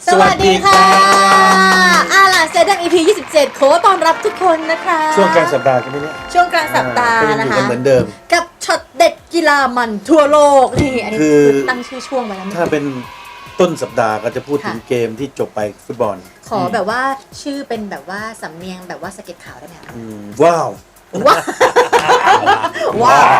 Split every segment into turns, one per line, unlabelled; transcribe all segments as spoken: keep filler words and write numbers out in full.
สวัสดีค่ะอาล่ะเซดัง อี พี ยี่สิบเจ็ดขอต้อนรับทุกคนนะคะ
ช่วงกลางสัปดาห์กันไหมเนี่ย
ช่วงกลางสัปดาห์นะคะ
เหมือนเดิม
กับช็อตเด็ดกีฬามันทั่วโลกนี่อันนี้คือตั้งชื่อช่วงไว้แล้ว
ถ้าเป็นต้นสัปดาห์ก็จะพูดถึงเกมที่จบไปฟุตบอล
ขอแบบว่าชื่อเป็นแบบว่าสำเนียงแบบว่าสเก็ตขาวได้ไหมคะ
ว้าว
ว้าวว้าว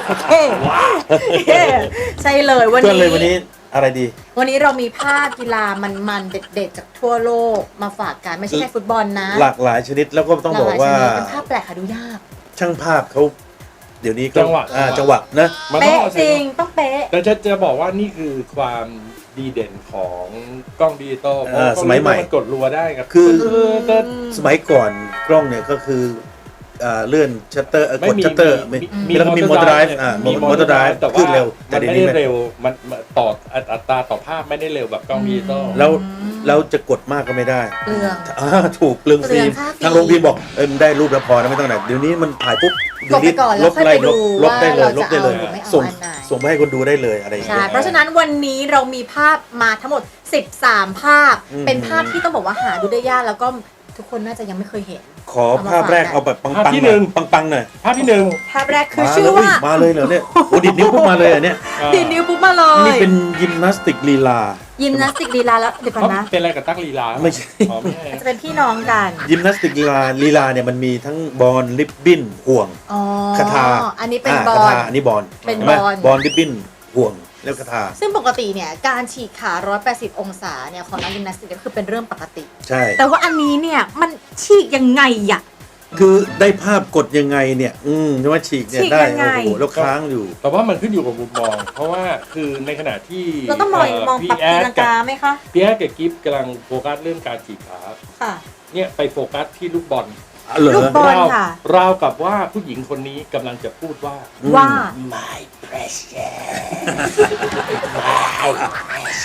ใช่เลยวันนี้
วันนี้อะไรดี
วันนี้เรามีภาพกีฬามันๆเด็ดๆจากทั่วโลกมาฝากกันไม่ใช่แค่ฟุตบอลนะ
หลากหลายชนิดแล้วก็ต้องบอกว่า
เป็นภาพแปลกหาดูยาก
ช่างภาพเขาเดี๋ยวนี้
จังหวะ
จังหวะนะ
เป๊ะจริงต้องเป๊ะ
แต่จะจะบอกว่านี่คือความดีเด่นของกล้องดิจิตอล
สมัยใหม่
กดรัวได้ครับ
คือสมัยก่อนกล้องเนี่ยก็คือเลื่อนชัตเตอร์กดชัตเตอร์มีแล้วก็มีมอเตอร์ไดรฟ์มีมอเตอร์ไดรฟ์แต่ขึ้นเร็ว
แต่ไม่ได้เร็วมันต่ออัตราต่อภาพไม่ได้เร็วแบบกล้องดิจิตอล
แล้วแล้วจะกดมากก็ไม่ได้
เปลือง
ถูกเปลืองฟิล์มทางโรงพิมพ์บอกเออได้รูปแล้วพอนะไม่ต้องไหนเดี๋ยวนี้มันถ่ายปุ๊บ
กดไปก่อนแล้วค่อยไปดูว่าเราจะเอาหรือไม่เอาอันไหน
ส่งไปให้คนดูได้เลยอะไรอย่างเงี้ย
ใช่เพราะฉะนั้นวันนี้เรามีภาพมาทั้งหมดสิบสามภาพเป็นภาพที่ต้องบอกว่าหาดูได้ยากแล้วก็ทุกคนน่าจะยังไม่เคยเห็น
ขอภาพแรกเอาแบบปังๆที่หนึ่งปังๆหน่อย
ภาพที่หนึ่ง
ภาพแรกคือชื่อว่า
มาเลยเหรอเนี่ยโอ้ดิดนิ้วปุ๊บมาเลยอ่ะเนี่ย
ดิดนิ้วปุ๊บมาเลย
นี่เป็นยิมนาสติกลีลา
ยิมนาสติกลีลาแล้วเดี๋ยวก่อนนะ
เป็นอะไรกับตั๊กลีลา
ไม่ใช่
จะเป็นพี่น้องกัน
ยิมนาสติกลีลาลีลาเนี่ยมันมีทั้งบอลริบบิ้นห่วงคาถา
อันนี้เป็นบอล
อันนี้บอล
เป็นบอล
บอลริบบิ้นห่วงแล้วคาถา
ซึ่งปกติเนี่ยการฉีกขาหนึ่งร้อยแปดสิบองศาเนี่ยของนักยิมนาสติกก็คือเป็นเรื่องปกติ
ใช่
แต่ว่าอันนี้เนี่ยมันฉีกยังไงอะ
คือได้ภาพกดยังไงเนี่ยอืมว่าฉีกเนี่ยได้โอ้โหแล้วค้างอยู่
แต่ว่ามันขึ้นอยู่กับมุมมองเพราะว่าคือในขณะที่
เราต้องมองมองปรับตีลังกาไหมคะ
พี่แอดกับกิฟกำลังโฟกัสเรื่องการฉีกขา
ค่ะ
เนี่ยไปโฟกัสที่ลูกบอล
ลูกบอลค่ะ
ราวกับว่าผู้หญิงคนนี้กำลังจะพูดว่า
ว่า
my precious
my precious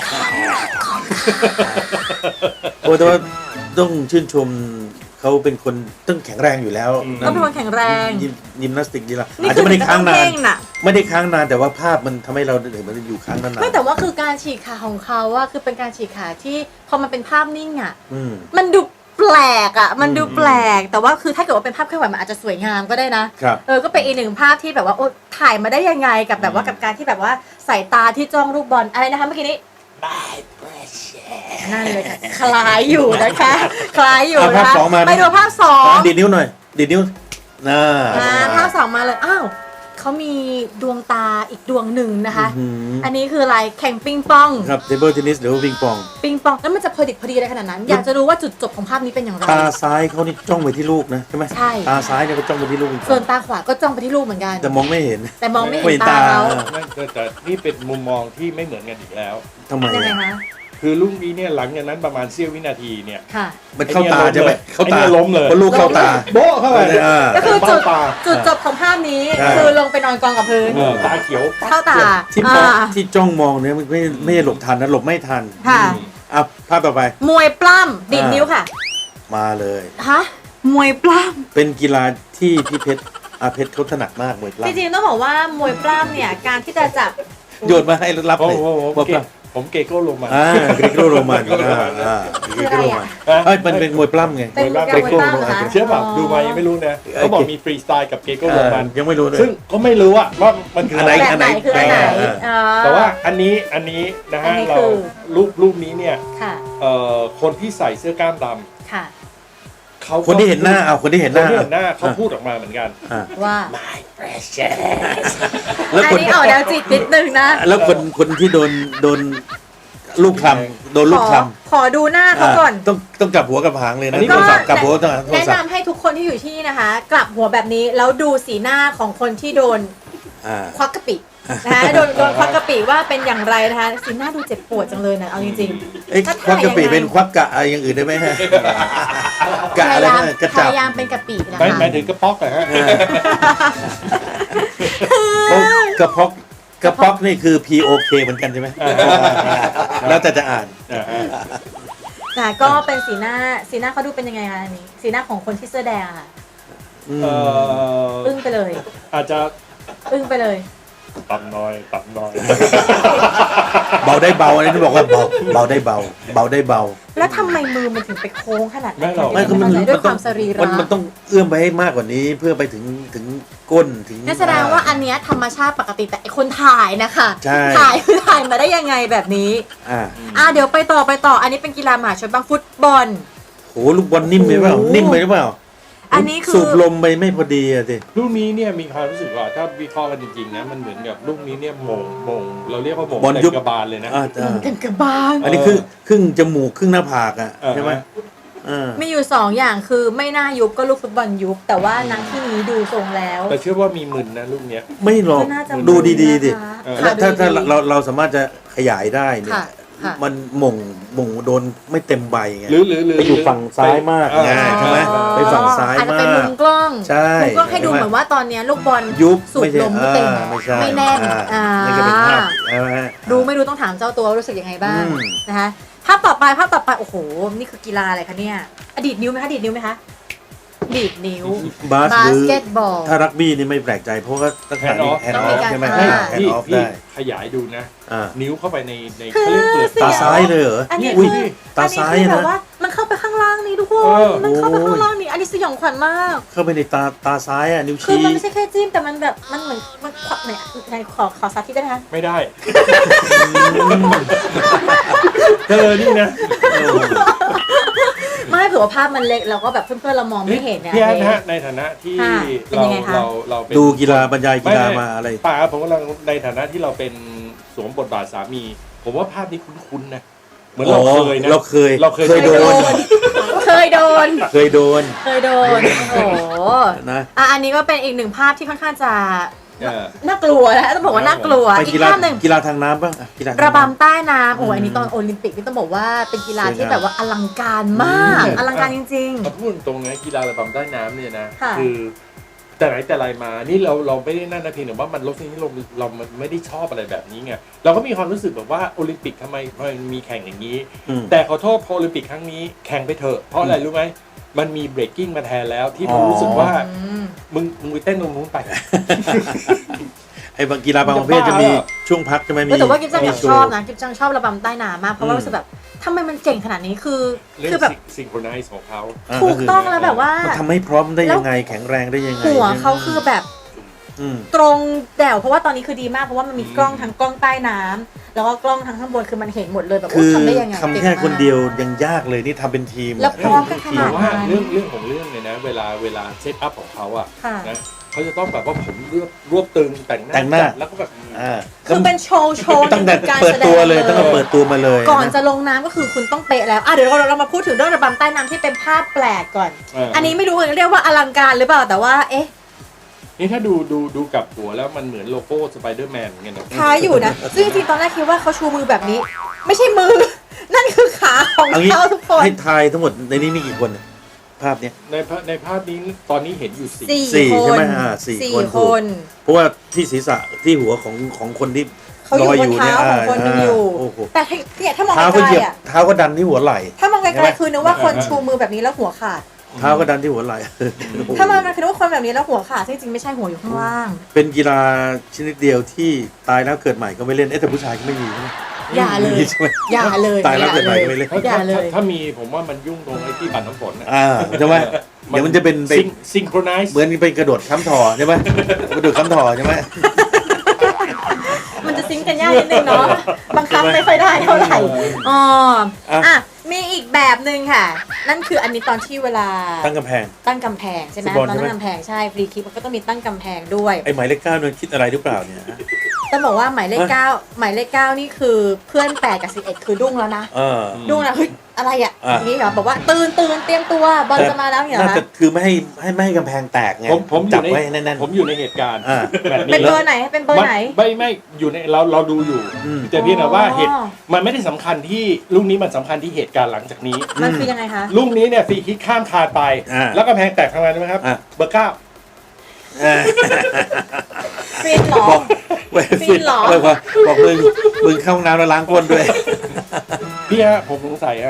โอ้แต่ว่าต้องชื่นชมเขาเป็นคนต้องแข็งแรงอยู่แล้ว
ต้องเป็นคนแข็งแรง
ยิมนาสติกดีละอาจจะไม่ได้ค้างนานไม่ได้ค้างนานแต่ว่าภาพมันทำให้เราเห็นมันอยู่ค้างนาน
ไม่แต่ว่าคือการฉีกขาของเขาว่าคือเป็นการฉีกขาที่พอมันเป็นภาพนิ่งอ่ะมันดูแปลกอ่ะมันดูแปลกแต่ว่าคือถ้าเกิดว่าเป็นภาพเคลื่อนไหวมันอาจจะสวยงามก็ได้นะเออก็เป็นอีกหนึ่งภาพที่แบบว่าโอ้ถ่ายมาได้ยังไงกับแบบว่ากับการที่แบบว่าสายตาที่จ้องลูกบอลอะไรนะคะเมื่อกี้นี้
my precious
นั่นเลยค่ะคล้ายอยู่นะคะคล้ายอยู่นะคะไปดูภาพสอง
ดีดนิ้วหน่อยดีดนิ้วน่า
ภาพสองมาเลยอ้าวเขามีดวงตาอีกดวงหนึ่งนะคะอันนี้คืออะไรแข่งปิงปอง
ครับเทเบิลเทนนิสหรือว่าปิงปอง
ปิงปองแล้วมันจะพอดิบพอดีอะไรขนาดนั้นอยากจะรู้ว่าจุดจบของภาพนี้เป็นอย่างไร
ตาซ้ายเขานี่จ้องไปที่ลูกนะใช่ไหม
ใช่
ตาซ้ายเนี่ยก็จ้องไปที่ลูก
ส่วนตาขวาก็จ้องไปที่ลูกเหมือนกัน
แต่มองไม่เห็น
แต่มองไม่เห็นตาเขา
แต่นี่เป็นมุมมองที่ไม่เหมือนกันอีกแล้ว
ทำไม
ยังไงคะ
คือลูกนี้เนี่ยหลังจากนั้นประมาณเสี้ยววินาทีเนี่ย
มันเข้าตาใช่ไหม
เข้าตาล้มเลย
เพราะลูกเข้าตา
โบ๊ะเข้าไป
ก็คือจุดจุดจบของภาพนี้คือลงไปนอนกองกับพื้น
ตาเขียว
เข้าตา
ที่ที่จ้องมองเนี่ยไม่ไม่หลบทันนะหลบไม่ทัน
ค่ะ
อ่ะภาพต่อไป
มวยปล้ำดีดนิ้วค่ะ
มาเลย
ฮะมวยปล้
ำเป็นกีฬาที่พี่เพชรอาเพชรเขาถนัดมากมวยปล้ำ
จริงๆต้องบอกว่ามวยปล้ำเนี่ยการที่จะจับ
โยนมาให้รับเลย
ผมเกโก้โรมัน
อ่าเกโก้โรมันอ่าอ่าเกโก้โรมันเอ้ยมันเป็นมวยปล้ำไง
มวยปล้ำเกโก้โรมัน
เชื่อป่ะดูมายังไม่รู้นะเขาบอกมีฟรีสไตล์กับเกโก้โรมัน
ยังไม่รู้เลย
ซึ่งก็ไม่รู้อะว่ามันคืออะไร
อันไหนคืออันไหน
แต่ว่าอันนี้อันนี้นะฮะเรารูปรูปนี้เนี่ยคนที่ใส่เสื้อกล้ามดำ
เขาคนที่เห็นหน้าเอาคนที่เห็นหน้า
เห็นหน้าเขาพูดออกมาเหมือนกัน
ว่า
my precious
แล้วคนที่ออกแนวจิตนิดนึงนะ
แล้วคนคนที่โดนโดนลูกคลำโดนลูกคล
ำขอดูหน้าเขาก่อน
ต้องต้องกลับหัวกับหางเลยนะกลับหัวต้อง
แนะนำให้ทุกคนที่อยู่ที่นี่นะคะกลับหัวแบบนี้แล้วดูสีหน้าของคนที่โดนควักกะปินะคะโดนโดนควักกะปิว่าเป็นอย่างไรนะคะสีหน้าดูเจ็บปวดจังเลยนะเอาจริง
ๆไอ้ควักกะปิเป็นควักกะอะไรอย่างอื่นได้ไหมฮะกะอะไรนะกระจับ
พยายามเป็นกะปินะคะ
หมายถึงกระป๊อกเหรอฮะ
กระป๊อกกระป๊อกนี่คือ พี โอ เค เหมือนกันใช่ไหมแล้วแต่จะอ่าน
แต่ก็เป็นสีหน้าสีหน้าเขาดูเป็นยังไงคะอันนี้สีหน้าของคนที่เสื้อแดงค่ะอึ้งไปเลย
อาจจะ
อึ้งไปเลย
ต่ำน้อยต่ำน้อย
เบาได้เบาอันนี้ต้องบอกว่าเบาเบาได้เบา เบาได้เบา
แล้วทำไมมือมันถึงไปโค้งขนาดนั้น
ไม่คือมัน
ด้วยความสรี
มั
ระ
นมันต้องเอื้อมไปให้มากกว่านี้เพื่อไปถึงถึงก้นถึง
นั่นแสดงว่าอันเนี้ยธรรมชาติปกติแต่ไอคนถ่ายนะคะ
ใช่
ถ่ายคือถ่ายมาได้ยังไงแบบนี้
อ่า
อ่ะเดี๋ยวไปต่อไปต่ออันนี้เป็นกีฬามหาชนบ้างฟุตบอล
โหลูกบอลนิ่มไปเปล่า
โอ้โห
นิ่มไปหรือเปล่า
อันนี้คือ
สูบลมไปไม่พอดีอะสิ
ลูกนี้เนี่ยมีความรู้สึกว่าถ้าวิเคราะห์กันจริงๆนะมันเหมือนกับลูกนี้เนี่ยมงมงเราเรียกว่ามง
บอลยุบ
เต็มกระบาลเลยนะ
อ่า
เหมือนกันกระบาล
อันนี้คือครึ่งจมูกครึ่งหน้าผากอะ
เออ
ใช่ไหมอ่า
มีอยู่สองอย่างคือไม่น่ายุบก็ลูกฟุตบอลยุบแต่ว่านักที่นี้ดูทรงแล้ว
แต่เชื่อว่ามีมึนนะลูกเนี้ย
ไม่หรอก
ก็น่าจะ
ดูดีๆดิ
นะคะ
เออ
แล้วถ้า
ค่ะ
ถ้า
ดูดีๆ
เราเราสามารถจะขยายได้เนี่ย
ค่ะค่ะ
มันหม่งหม่งโดนไม่เต็มใบไง
หรือหรือหรือ
ไปอยู่ฝั่งซ้ายมาก
อ่
ไงใช่ไหม
อ๋อ
ไปฝั่งซ้าย
อาจจะ
มา
เป็นมุ
ก
มกล้อง
ใช่
มุมกล้องให้ดูเหมือนว่าตอนเนี้ยลูกบอล
ยุบ
สูบ
ไม่ใช่
ลมไม่เต็ม
อ่าไม่ใช่
ไม่แน่น
อ่า
อ่า
นี่ก็เป็นภาพใช่ไหม
ดูไม่รู้ต้องถามเจ้าตัวว่ารู้สึกยังไงบ้าง
อืม
นะคะภาพต่อไปภาพต่อไปโอ้โหนี่คือกีฬาอะไรคะเนี่ยอดีตนิ้วไหมคะอดีตนิ้วไหมคะดีดนิ้ว
บาส
บา
หรื
ส
อ
เกตบอล
ถ้ารักบี้นี่ไม่แปลกใจเพราะว่าตั้งแต่
Hand off
แฮน
ต้
ด์
อง
อ
มี
อฟ
การ
ใช่ไหม
อ่า
แฮน
พี่
ด์ออฟ
พี่
ได้
ขยายดูนะ
อ่า
นิ้วเข้าไปในใน
คือ
เขาเรียกเปลือก
เสี
ตาซ้ายเลยเหรอ
อันนี้
อุ้
คื
ย
อ
ตา
อันนี้
ซ้าย
คือ
นะ
แบบว่ามันเข้าไปข้างล่างนี่ทุกค
เอน อ
มันเข้าไป
โอ้ย
ข้างล่างนี่อันนี้สยองขวัญมาก
เข้าไปในตาตาซ้ายอ่ะนิ้ว
คือ
ชี้
มันไม่ใช่แค่จิ้มแต่มันแบบมันเหมือนมันขวัญเนี่ยไหนขอขอสาธิตได้ไหมคะ
ไม่ได้เธอนี่นะ
ไม่เผื่อว่าภาพมันเล็กเราก็แบบเพื่อนๆเรามองไม่เห็นนะ
พี่แอนนะฮะในฐานะที่
ค่ะเป็น
เรา
ยังไงคะ
เราเราเป็น
ดูกีฬาบรรยายกีฬา
ไไ
มาอะไร
ป่าผมกำลังในฐานะที่เราเป็นสวมบทบาทสามี ผมว่าภาพนี้คุ้นๆนะเหมือนเราเคยนะ
เราเคย
เราเคย
เคยโดน
เคยโดน
เคยโดน
เคยโดนโอ้โห
นะ
อ่ะอันนี้ก็เป็นอีกหนึ่งภาพที่ค่อนข้างจะ
เออ
น่ากลัวนะต้องบอกว่าน่ากลัว
ไป
อี
กี
ก
ฬา
ภาพหนึ่ง
กีฬาทางน้ำบ้างอ่ะกีฬาทาง
ระ
น้ำ
บำใต้น้ำโอ้ยอันนี้ตอนโอลิมปิกนี่ต้องบอกว่าเป็นกีฬาที่แบบว่าอลังการมาก
อืม
อลังการจริง
มาพูดตรงๆนะกีฬาระบำใต้น้ำเนี่ยนะ
ค่ะ
คือแต่ไหนแต่ไรมานี่เราเราไม่ได้นั่นนะเพียงแต่ว่ามันรสนิยมเราไม่ได้ชอบอะไรแบบนี้ไงเราก็มีความรู้สึกแบบว่าโอลิมปิกทำไมทำไมมันมีแข่งอย่างนี้
อืม
แต่ขอโทษพอโอลิมปิกครั้งนี้แข่งไปเถอะเพราะอะไรรู้ไหมมันมีเบรกกิ้งมาแทนแล้วที่ผม
อ๋อ
รู้สึกว่า
ๆอืม
มึงมึงไปเต้นตรงนู้นไป
ไอ้บางกีฬาบางประเภทจะมีช่วงพักจะไม่มี
เออแต่ว่ากิฟจัง
มี
อยาก
โช
ชอบ
ว์
นะกิฟจังชอบระบำใต้น้ำมากเพราะว่า
อืม
รู้สึกแบบทำไมมันเจ๋งขนาดนี้คือ
เรื่อง
คือแบบ
ซิงโครไนซ์ของเขา
า
ถูกต้องแล้วแบบว่า
มันทำให้พร้อมได้ยังไงแข็งแรงได้ยังไง
หัวเขาคือแบบ
อืม
ตรงแด่วเพราะว่าตอนนี้คือดีมากเพราะว่ามันมีกล้องทั้งกล้องใต้น้ำแล้วก็กล้องทั้งข้างบนคือมันเห็นหมดเลยแบบ
คื
ว่า
อ
ทำได้ยังไง
ทำ
เก่ง
แค่
มาก
คนเดียวยังยากเลยนี่ทำเป็นทีม
แล้วพร้อมกันขนา
แต่
ด
ว่า
นั้น
เรื่องเรื่องของเรื่องเนี่ยนะเวลาเวลาเซตอัพของเขาอะ
ค่ะ
นะเขาจะต้องแบบว่าผมรวบรวบตึงแต่งหน้า
แต่งหน้า
จัดแล้วก็แบบ
อ่า
คือเป็นโชว์โชว์
ตั้งแต่
การ
เปิด
แสด
ตัว
ง
เลยตั้งแต่เปิดตัวมาเลย
ก่อนจะลงน้ำก็คือคุณต้องเป๊ะแล้วอ่ะเดี๋ยวเราเรามาพูดถึงเรื่องระบำใต้น้ำที่เป็นภาพแปลกก่อน
เอออั
อันนี้ไม่รู้เรียกว่าอลังการหรือเปล่าแต่ว่าเอ๊ะ
นี่ถ้าดูดูดูกับหัวแล้วมันเหมือนโลโก้สไปเดอร์แมนเหมือนกันนะ
คล้ายอยู่นะซึ่งจริงๆตอนแรกคิดว่าเขาชูมือแบบนี้ ไม่ใช่มือ นั่นคือขาของ
เอางี้
เขาทุกคน
ให้ทายทั้งหมดในนี้มีกี่คนเนี่ยภาพเนี้ย
ในภาพในภาพนี้ตอนนี้เห็นอยู่สี่
สี่
สี่
ค
ใช่
น
ไหมอ่าสี่
สี่
คน
คน
เพราะว่าที่ศีรษะที่หัวของของคนที่
เขาอ
ล
ยู่
อย
บ
อน ยู่
เท้า
เนี่ย
ของคนหนึงอยู่
โอ้โห
แต่เนี่ยถ้ามอง
เท้า
ไก
ก็
ล
เหยียบ
ๆอ่ะ
เท้าก็ดันที่หัวไหล่
ถ้ามองไก
ใช่ไห
ล
ม
ๆคือนึกว่าคนชูมือแบบนี้แล้วหัวขาด
เท้าก็ดันที่หัวไหล่
ถ้ามองไกลๆคือนึกว่าคนแบบนี้แล้วหัวขาดซึ่งจริงๆไม่ใช่หัวอยู่ข้างล่าง
เป็นกีฬาชนิดเดียวที่ตายแล้วเกิดใหม่ก็ไม่เล่นเอ๊ะแต่ผู้ชายก็ไม่มีใช่ไหม
อย่าเลย
มีใช่ไหม
อย่าเลย
ตายแล้ว
อ
เกิดใหม่
เล
ก็
ย
ไม่เล่น
ถ้า
อย่า
ถ้า
เลย
ถ้ามีผมว่ามันยุ่งตรงไอ้ที่ปั่นน้ำฝนนะ
อ่าใช่ไหมเดี๋ยวมันจะเป็นไป
ซิงโครไนซ์
เหมือนเป็นกระโดดค้ำถอใช่ไหมกระโดดค้ำถอใช่ไหม
มันจะซิงค์กันยากนิดนึงเนาะบังคับไม่ค่อยได้เท่าไหร่อ๋ออ่ะมีอีกแบบหนึ่งค่ะ นั่นคืออันนี้ตอนที่เวลา
ตั้งกำแพง
ตั้งกำแพงใช่ไหม
ฟุตบอล
ตอน
ใช่ไหม
ตั้งกำแพงใช่ฟรีคิกมันก็ต้องมีตั้งกำแพงด้วย
ไอ้หมายเลขเก้าเนี่ยคิดอะไรหรือเปล่าเนี่ย
ต้องบอกว่าหมายเลขเก้าหมายเลขเก้านี่คือเพื่อนแปดกับสิบเอ็ดคือดุ้งแล้วนะ
เออ
ดุ้งแล้วเฮ้ยอะไรอ่ะ
อ่ะ
อย่างนี้เหรอบอกว่าตื่นตื่นเตรียมตัวบอลจะมาแล้วเนี่ยเหรอ
น่าจะ
คะ
คือไม่ให้ให้ไม่ให้กำแพงแตกไง
ผมผมอ
จั
ยู่
บ
ใน
ไว้แน่น
ผมอยู่ในเหตุการณ์
อ่า
แบบ
เป็น
นี้
เบอร์ไหนเป็นเบอร์ไหน
ไม่ไม่อยู่ในเราเราดูอยู่
อืม
แต่เพียงแต่ว่า
อ๋อ
เหตุมันไม่ได้สำคัญที่ลูกนี้มันสำคัญที่เหตุการณ์หลังจากนี้
มันคือยังไงคะ
ลูกนี้เนี่ยฟรีคิกข้ามคานไป
อ่า
แล้วก็แพงแตกทำไมรู้ไหมครับ
อ่ะ
เบอร์เก้า
เออ
ฟินเหรอ
บอกเว้ย
ฟินเหรอ
บอกว่าบอกมึงมึงเข้าห้องน้ำแล้วล้างก้นด้วย
พี่ฮะผมสงสัยฮะต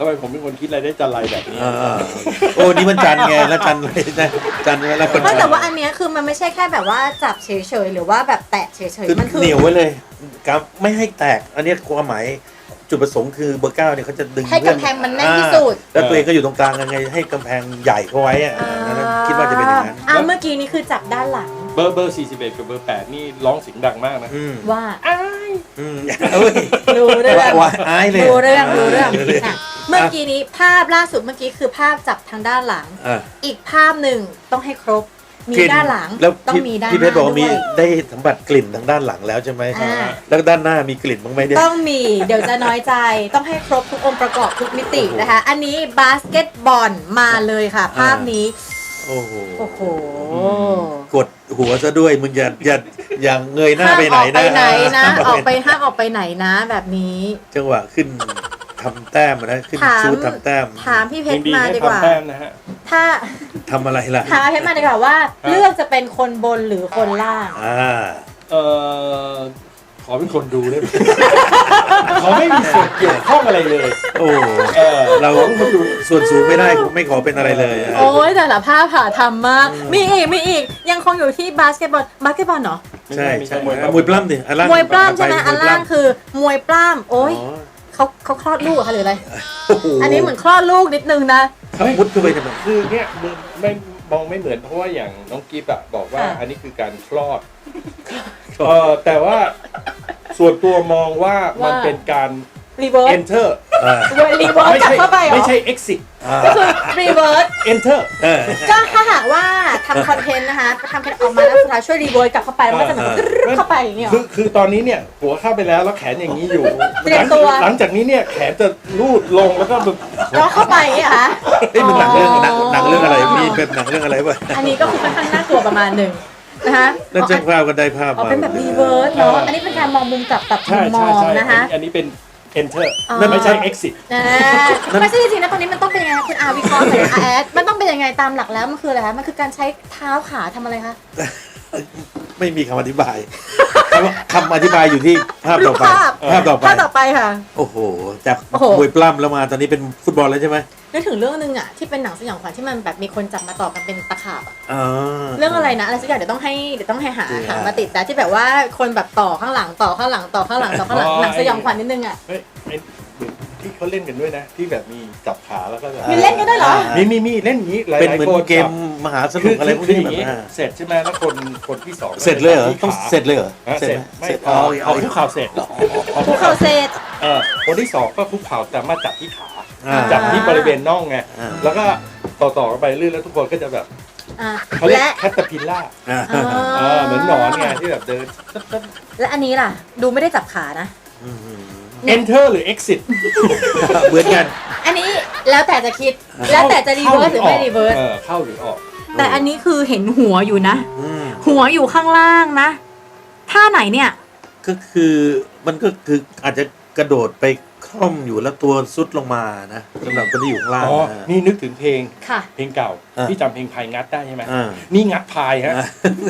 ทำไมผมเป็นคนคิดอะไรได้จันไรแบบนี้
อ่าโอ้นี่มันจันไงแล้วจันเลยนะจันไงแล้วคน
ไม่แต่ว่าอันเนี้ยคือมันไม่ใช่แค่แบบว่าจับเฉยๆหรือว่าแบบแตะเฉย
คือ
ๆมันคือ
เหนียวไว้เลยครับไม่ให้แตกอันนี้ความหมายจุดประสงค์คือเบอร์เก้าเนี่ยเขาจะดึง
ให้กำแพงมันแน่นที่สุด
อ่าแล้วตัวเองก็อยู่ตรงกลางยังไงให้กำแพงใหญ่เข้าไว้อะนั่นคิดว่าจะเป็นอย่างนั้น
อ่าเมื่อกี้นี้คือจับด้านหลัง
เบอร์เบอร์สี่สิบเอ็ดกับเบอร์แปดนี่ร้องเสียงดังมากนะ
อืม
ว่า
อ้าย
อืมเอ้ย
รู้เรื่อง
ว่าอายเลย
รู้เรื่องรู้เรื่องอ่ะเมื่อกี้นี้ภาพล่าสุดเมื่อกี้คือภาพจับทางด้านหลัง
อ่ะ
อีกภาพหนึ่งต้องให้ครบ มีด้านหลัง
แล้ว
ต้อง
พี่
มีด้านห
พี่เพชรบอก
น้า
ว่า
ด้
มี
วย
ได้สัมผัสกลิ่นทางด้านหลังแล้วใช่ไหม
อ่า
แล้วด้านหน้ามีกลิ่นบ้างไหมเนี่ย
ต้องมีเดี๋ยวจะน้อยใจต้องให้ครบทุกองค์ประกอบทุกมิตินะคะ อันนี้บาสเกตบอลมาเลยค่ะ ภาพนี้
โอ้โห
โอ้โห
กดหัวซะด้วยมึงอย่าอย่าอย่าเงยหน้าไปไหน
ห้ามออก
นะ
ไปไหนนะ
ห้าม
ออกไปห้ามออกไปไหนนะแบบนี้
จังหวะขึ้นทำแต้มอะนะขึ้น
ถาม
ชูดทำแต้ม
ถามพี่เพ
ยั
ช
ง
ร
ดี
มา
ให้
ดีกว่า
ทำแต้มนะฮะ
ถ้า
ทำอะไรล่ะ
ถามพี่เพชรมาดีกว่าว่า เลือกจะเป็นคนบนหรือคนล่าง
อ่า
เอ่อขอเป็นคนดูได้ไหม เขาไม่มีส่วนเกี่ยวข้องอะไรเลย
โอ้
เออ
เราส่วนสูงไม่ได้ผมไม่ขอเป็นอะไรเลยอะ
โอ้ยแต่ละภาพผ่าทำมาก มีอีกมีอีกยังคงอยู่ที่บาสเกตบอลบาสเกตบอลเหรอ
ใช่ใช่
มวย
มวยปล้ำดิอันล่าง
มวยปล้ำใช่ไหม
ป
อันล่างคือมวยปล้ำโอ้ย
อ๋อ
เขาเขาคลอดลูกเหรอคะหรืออะไร
โอ้โห
อันนี้เหมือนคลอดลูกนิดนึงนะ
เขามุดเข้าไปทำไม
คือเนี่ยมึงไม่มองไม่เหมือนเพราะว่าอย่างน้องกิฟต์อะบอกว่า
ค่ะ
อันนี้คือการคลอดเออแต่ว่าส่วนตัวมองว่ามันเป็นการ
รีเวิร์ส
enter
อ่า
รีเวิร์ส
ไม่
กลับ
ใช่
เข้าไปเหรอ
ไม่ใช่ exit
อ่า
ก็คือรีเวิร์ส
enter
เออ
ก็ถ้าหากว่าทำคอนเทนต์นะคะทำคอนเทนต์ออกมาแล้วสุดท้ายช่วยรีเวิร์สกลับเข้าไปแล้วมันจะเหมือน
เออ
กรึ๊ดเข้าไปอย่างเงี้ยเหร
คือ
อ
คือตอนนี้เนี่ยหัวเข้าไปแล้วแล้วแขนอย่างนี้อยู่
เตรียมตัว
หลังจากนี้เนี่ยแขนจะลูดลงแล้วก็แบบ
แล้วเข้าไปอย่างเงี้ยเหรอคะ
เอ้ยมันหนังเรื่องหนังหนังเรื่องอะไรมีเป็นหนังเรื่องอะไรวะ
อันนี้ก็คือค่อนข้างน่ากลัวประมาณหนึ่งนะคะ
แล้วจ้างภาพกันได้ภาพ
อ๋อ
มา
เป็นแบบรีเวิร์สเนาะ อันนี้เป็นการมองมุมกลับตับมุ
ใช่
มม
ใช่
อง
ใช่
นะคะ
อันนี้เป็น enter
อ๋อ
นั่นไม่ใช่ exit
นะไม่ใช่จริงๆนะตอนนี้มันต้องเป็นยังไงคะคุณอาวิเคราะห์หน่อยอาแอดมันต้องเป็นยังไงตามหลักแล้วมันคืออะไรคะมันคือการใช้เท้าขาทำอะไรคะ
ไม่มีคำอธิบายคำคำอธิบายอยู่ที่ภาพต่อไป
รูปภาพ
ภาพต่อไป
ภาพต่อไปค่ะ
โอ้โห จาก
โอ้โห
มวยปล้ำแล้วมาตอนนี้เป็นฟุตบอลแล้วใช่ไหม
นึกถึงเรื่องนึงอ่ะที่เป็นหนังสยองขวัญที่มันแบบมีคนจับมาต่อกันเป็นตะขาบอะ
อ่า
เรื่องอะไรนะอะไรสักอย่างเดี๋ยวต้องให้เดี๋ยวต้องให้หา
จริงอะ
หามาติดแต่ที่แบบว่าคนแบบต่อข้างหลังต่อข้างหลังต่อข้างหลังต่อข้างหลัง
อ๋อ
หนังสยองขวัญนิดนึงอ่ะ
เฮ้ยไอ้ที่เขาเล่นกันด้วยนะ ที่แบบมีจับขาแล้วก็แบบ
มีเล่นกันด้วยเหรอ
มีมีมีเล่นอย่างนี้หลาย
เป็น
หลาย
เหมือน
คน
เกม
จับ
มหาส
คื
นุ
อก
อะไรพวก
คือ
นี้
อ
แบ
ย่า
บ
งนี้
อ่า
เสร็จใช่ไหมแล้วคนคนที่สอง
เสร็จเลยเหรอ
ที่
ต้อง
ขา
เสร็จเลยเหรอ
อ่ะเสร็จ
ไหม
ไม่
เสร็จ
เอา
เอา
เอา
เอา
คุกเข่าเสร็จ
ภูเขาเศษ
เออคนที่สองก็คุกเข่าแต่มาจับที่ขา
อ่า
จับที่บริเวณน่องไง
อ่า
แล้วก็ต่อต่อกันไปเรื่อยแล้วทุกคนก็จะแบบ
อ่ะ
เขาเรียก
และ
แคตตาพิลล่า
อ่า
อ๋อ
เออเหมือนหนอนไงที่แบบเดิน
และอันนี้ล่ะ ดูไม่ได้จับขานะ
อืม
enter หรือ exit
เหมือนกัน
อันนี้แล้วแต่จะคิด แล้วแต่จะรีเวิร์สหรือไม่รีเวิร์ส
เออเข้าหรือออก
แต่อันนี้คือเห็นหัวอยู่นะ
อืม
หัวอยู่ข้างล่างนะ ท่าไหนเนี่ย
ก็คือมันก็คืออาจจะกระโดดไปคล่อมอยู่แล้วตัวซุดลงมานะสำหรับคนที่อยู่ข้างล่าง
อ๋อ
นะ
นี่นึกถึงเพลง
ค่ะ
เพลงเก่า
อ่า
ที่จำเพลงพายงัดได้ใช่ไหม
อ่า
นี่งัดพายฮะ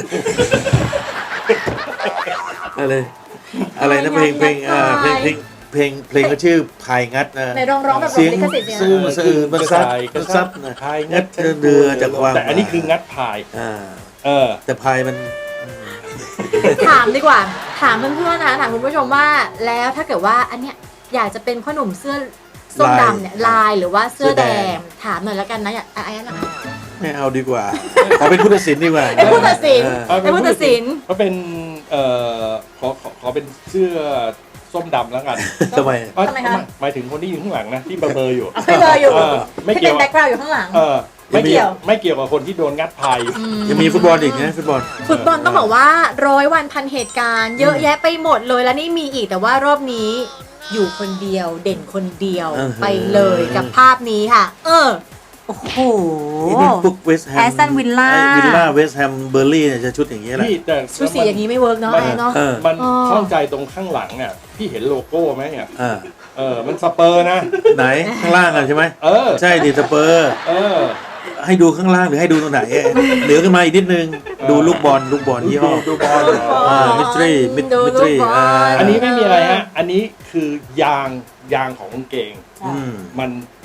อะไรอะไรนะเพลงเพลงอ่าเพลงเพลงเพลงเพลงก็ชื่อพายงัดนะ
ในร้องร้องแบบ
เสียง
ลิขสิทธิ์เนี่ย
ซึ่งสะอื้นมันซับมันซับนะ
พาย
งัดเรือจากความ
แต่อันนี้คืองัดพาย
อ่า
เออ
แต่พายมัน
ถามดีกว่า ถามเพื่อนๆนะถามคุณผู้ชมว่า แล้วถ้าเกิดว่าอันเนี้ยอยากจะเป็นพ่อหนุ่มเสื้อส้มดำเนี่ยลายหรือว่าเสื้อแดง ถามหน่อยแล้วกันนะอยากไอ้นั่นนะ
ไม่เอาดีกว่า ขอเป็นผู้ตัดสินดีกว่า
เป็นผู้ตัดสิน
เออ
เป็นผู้ตัดสิน
เขาเป็นเอ่อขอขอขอเป็นเสื้อส้มดำแล้วกัน
ทำไม
เอ้ย
ทำไมคะ
หมายถึงคนที่อยู่ข้างหลังนะที่เบลอๆอยู่
เอาไม่เบลออยู่
เออไม่
ที่
เกี่
เป็
ย
น
ว
แบ็คกราวด์อยู่ข้างหลัง
เออไม่
ไม่เกี่
เกี่ย
ยว ว
ไม่เกี่ยวกับคนที่โดนงัดพายอยู่
อืม
ยังมีฟุตบอลอีกนะฟุตบอล
ฟุตบอลต้องบอกว่าร้อยวันพันเหตุการณ์ เยอะแยะไปหมดเลยแล้วนี่มีอีกแต่ว่ารอบนี้อยู่คนเดียวเด่นคนเดียว
อือฮึ
ไปเลยกับภาพนี้ค่ะ เออ โอ้โห
นี่เป็นพวกเวสต์แฮม
Aston Villa
วิลล่าเวสต์แฮมเบอร์ลี่เนี่ยจะชุดอย่างนี้ยแหละ
พี่แต่
ชุดสีอย่างนี้ไม่เวิร์กเนาะ
มัน
ไอ้เนาะ
เออ
มัน
อ๋อ
ข้องใจตรงข้างหลังอ่ะพี่เห็นโลโก้ไหมเนี่ย
อ่า
เออมันสเปอร์นะ
ไหนข้างล่างอ่ะใช่ไหม
เออ
ใช่ดิสเปอร์
เออ
ให้ดูข้างล่างหรือให้ดูตรงไหนอะเหลือขึ้นมาอีกนิดนึง
ออ
ดูลูกบอลลูกบอลยี่ห้อ
ดูบอล
อ่ามิตรีมิ
ดู
มิตรี
ลูกบอล
อ่า
อันนี้ไม่มีอะไรฮะ อันนี้คือยางยางของกางเกง
อืม
มัน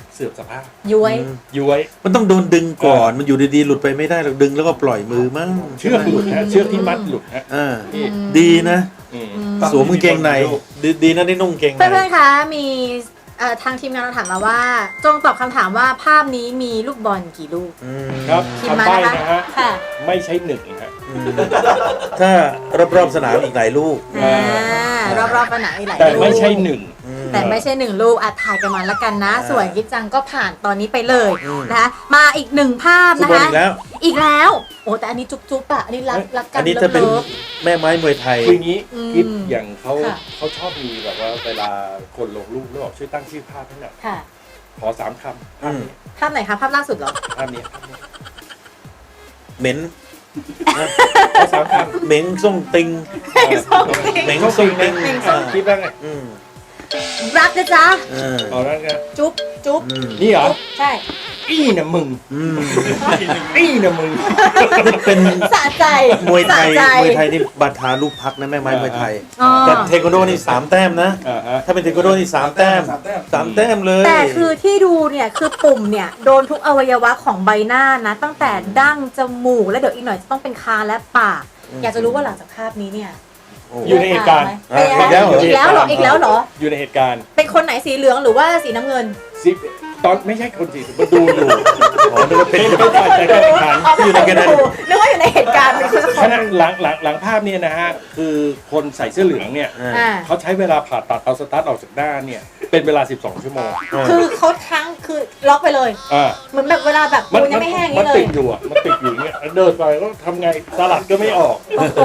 เสื่อมสภาพ
ย้วย
อืม
ย้วย
มันต้องโดนดึงก่อน มันอยู่ดีๆหลุดไปไม่ได้หรอกดึงแล้วก็ปล่อยมือมั้ง
เชือกหลุดฮะเชือกที่มัดหลุดฮะ
อ่า
พี่
ดีนะ
อืม
สวมกางเกงในดีดีนะได้นุ่งกางเกงใน
เพื่อนๆ คะ มีเอ่อทางทีมงานเราถามมาว่า จงตอบคำถามว่าภาพนี้มีลูกบอลกี่ลูก
อืม
ครับ
พิมพ์มา
คำใบ้
นะคะ
นะฮะ
ค่ะ
ไม่ใช่หนึ่งฮะ
อืมถ้ารอบๆสนามอีกหลายลูก
อ่ารอบๆผนังอีกหลาย
แต่
ลูก
ไม่ใช่หนึ่ง
อืม
แต่ไม่ใช่หนึ่งลูกอ่ะถ่ายกันมาแล้วกันนะ
อ่า
ส่วนกิจจังก็ผ่านตอนนี้ไปเลย
อืม
นะคะ มาอีกหนึ่งภาพ
ฟุต
นะ
บอล
คะ
อีกแล้ว
อีกแล้ว โอ้แต่อันนี้จุ๊บๆอ่ะ อันนี้รักรักกั
อั
น
นนี้ถ้าเป็น
ลิฟ
แม่ไม้มวยไทย
คืออย่างนี้
อืม
กิฟอย่างเขา
ค่ะ
เขาชอบมีแบบว่าเวลาคนลงรูปแล้วบอกช่วยตั้งชื่อภาพให้หน่อย
ค่ะ
ขอสามคำภาพนี้
ภาพไหนคะ ภาพล่าสุดเหรอ
ภาพนี้ภาพนี้
เหม็น
ขอสามคำ
เหม็นส่งติง เหม็นส่งติง
เหม็นส่ง
คิดว่าไง
อืม
รักนะจ๊ะ
เออ
เอาแล้วไง
จุ๊บจุ๊บ
อืม
นี่เหรอ
จุ๊บใช่
อี้นะมึง
อืม
อี้นะมึง
นี่เป็น
สะใจ
มวยไทย
สะใจ
มวยไทยนี่บาทาลูกพักนะแม่ไม้มวยไทย
อ๋อ
แต่เทควันโดนี่สามแต้มนะ
อ่าฮะ
ถ้าเป็นเทควันโดนี่สามแต้ม
สามแต้ม
สามแต้มเลย
แต่คือที่ดูเนี่ยคือปุ่มเนี่ยโดนทุกอวัยวะของใบหน้านะ ตั้งแต่ดั้งจมูกแล้วเดี๋ยวอีกหน่อยจะต้องเป็นคางและปาก อยากจะรู้ว่าหลังจากภาพนี้เนี่ย
โอ้
อยู่ในเหตุการณ์
เป็นยังไง
อ่ะอีกแล้วเหรอ
อีกแล้วเหรออีกแล้วเหรอ
อยู่ในเหตุการณ์
เป็นคนไหนสีเหลืองหรือว่าสีน้ำเงิน
สิตอนไม่ใช่คนสิมาดูอยู่
อ๋อนึกว่าเป็น
เป็นเป็นฝ่ายจัดการแข่งขัน
อยู่ในกันนั้น
นึกว่าอยู่ในเหตุการณ์เป็นคนสักค
ข
น
ณะหลังหลังหลังภาพเนี่ยนะฮะคือคนใส่เสื้อเหลืองเนี่ย
อ่า
อ่า
เขาใช้เวลาผ่าตัดเอาสตาร์ทออกจากหน้าเนี่ยเป็นเวลาสิบสองชั่วโมง
คือเขาทั้งคือล็อกไปเลย
อ่า
เหมือนแบบเวลาแบบปูนยังไม่แห้งอย่าง
มัน
นี้เล
ติ
ย
ดอยู่อ่ะมันติดอยู่อย่างเงี้ยเดินไปก็ทำไงสลัดก็ไม่ออก
โอ้โห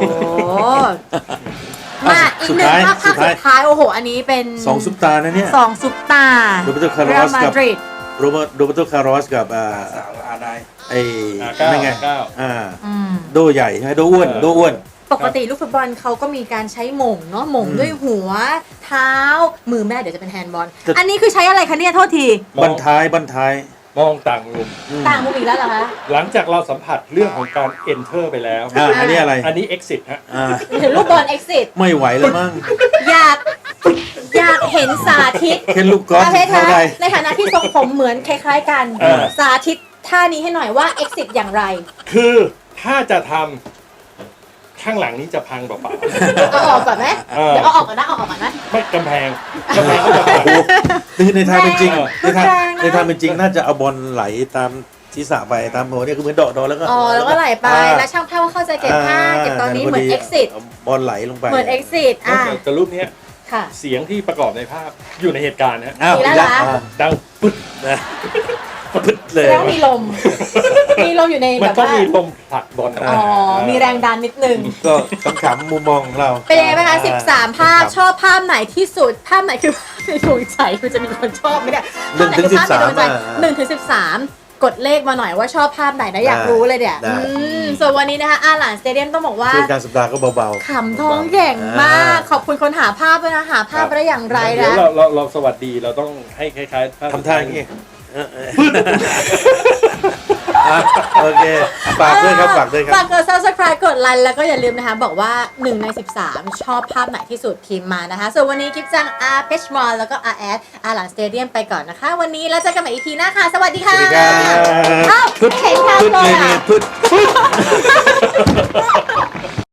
มาอีกหนึ่งภาพภาพ
สุดท้าย
สุดท้ายโอ้โห อันนี้เป็น
สองซุปตานะเนี่ย
สองซุปตา
โรเบโตคาร์ล
เร
อ
อัล
ส
มา
กับ
ดริด
โรเบโรเบโตคาร์ลอสกับอ่า
สาวอาได
ไอ้
อ่าเก้า
นั่นไง
เก้า
อ่า
อืม
โดใหญ่ใช่ไหมโดอ้วน
เออ
โดอ้วน
ปกติลูกฟุตบอลเขาก็มีการใช้หม่งเนาะหม่ง
อืม
ด้วยหัว เท้า มือแม่เดี๋ยวจะเป็นแฮนด์บอล
จะ
อันนี้คือใช้อะไรคะเนี่ย โทษที
มอง
บันท้ายบันท้าย
มองต่างมุม
อืม
ต่างมุมอีกแล้วเหรอคะ
หลังจากเราสัมผัสเรื่องของการ enter ไปแล้ว
อ่าอันนี้อะไร
อันนี้ exit ฮะ
อ่า
เห็นลูกบอลเอ็กซิส
ไม่ไหวแล้วมั้ง
อยากอยากเห็นสาธิต
แค่ลูกกอล์ฟ
อาเพชร
เท่า
คะ
ไร
ในฐานะที่ทรงผมเหมือนคล้ายๆกัน
เออ
สาธิตท่านี้ให้หน่อยว่า exit อย่างไร
คือถ้าจะทำข้างหลังนี้จะพังเปล่า
เอาออกก่อนไหม
เออ
เดี๋ยวเอาออกก่อนนะเอาออกก่อนนะ
ๆไม่กำแพงกำแพงก็จะพัง
โอ้คือในทางเป็นจริง
แรง
ในทาง
แรงนะ
ในทางเป็นจริงน่าจะเอาบอลไหลตามศีรษะไปตามหัวเนี่ยคือเหมือนเดาะเดาะแล้วก็
อ๋อแล้วก็ไหลไป
อ่า
แล้วช่างภาพก็เข้าใจเก็บภาพเก็บตอนนี้
า
เหมือน
พดี
exit
าบอลไหลลงไป
เหมือน exit อ่ะ
แต่รูปเนี้ย
ค่ะ
เสียงที่ประกอบในภาพอยู่ในเหตุการณ์นะฮะ
อ้าว
อีกแล้วเหรอ
อ่า
ดังปึ๊ด
นะพึดเลย
แล้วมีลม มีลมอยู่ใน
มั
แบ
น
บ
ต้อง
ว่า
มีลมผลักบอลออก
อ๋อ
มา
มีแรงดันนิดนึง
ก็ขำๆมุมมองของเรา
เป็นยังไงบ้างคะสิบสามภาพ
ครับ
ชอบภาพไหนที่สุด ภาพไหนคือภาพในดวงใจคุณจะมีคนชอบไหมเนี่ย
หนึ่งถึง
ภาพไหนคือภาพในดวงใจ
สิบสามอ่ะ
หนึ่งถึงสิบสามกดเลขมาหน่อยว่าชอบภาพไหนนะอยาก
ได้
รู้เลยเนี่ย
ได้
อืมส่วนวันนี้นะคะอาหลานสเตเดียมต้องบอกว่า
ช่วงกลางสัปดาห์ก็เบาๆ
ขำท้องแข็งมาก ขอบคุณคนหาภาพด้วยนะหาภาพ
ครับ
ได้อย่างไร
เดี๋ยว
นะ
เราเราเราสวัสดีเราต้องให้คล้ายๆภพ
ทำท่าอย่างนี้เออเอออ่ะโอเค ฝากด้วยครับ ฝากด้วยครับ
ฝากกด subscribe กดไลค์แล้วก็อย่าลืมนะคะ บอกว่าหนึ่งในสิบสามชอบภาพไหนที่สุดพิมพ์มานะคะ ส่วนวันนี้กิฟจังอาร์เพชมอลแล้วก็อาร์แอดอาร์หลังสเตเดียมไปก่อนนะคะ วันนี้แล้วเจอกันใหม่ อี พี หน้าค่ะ สวัสดี
ส
ค่ะ
วัสดีครับ
เอ้า
พึด
เห็นทาง
พึด
เล
เลย ย
อ่ะ
พึด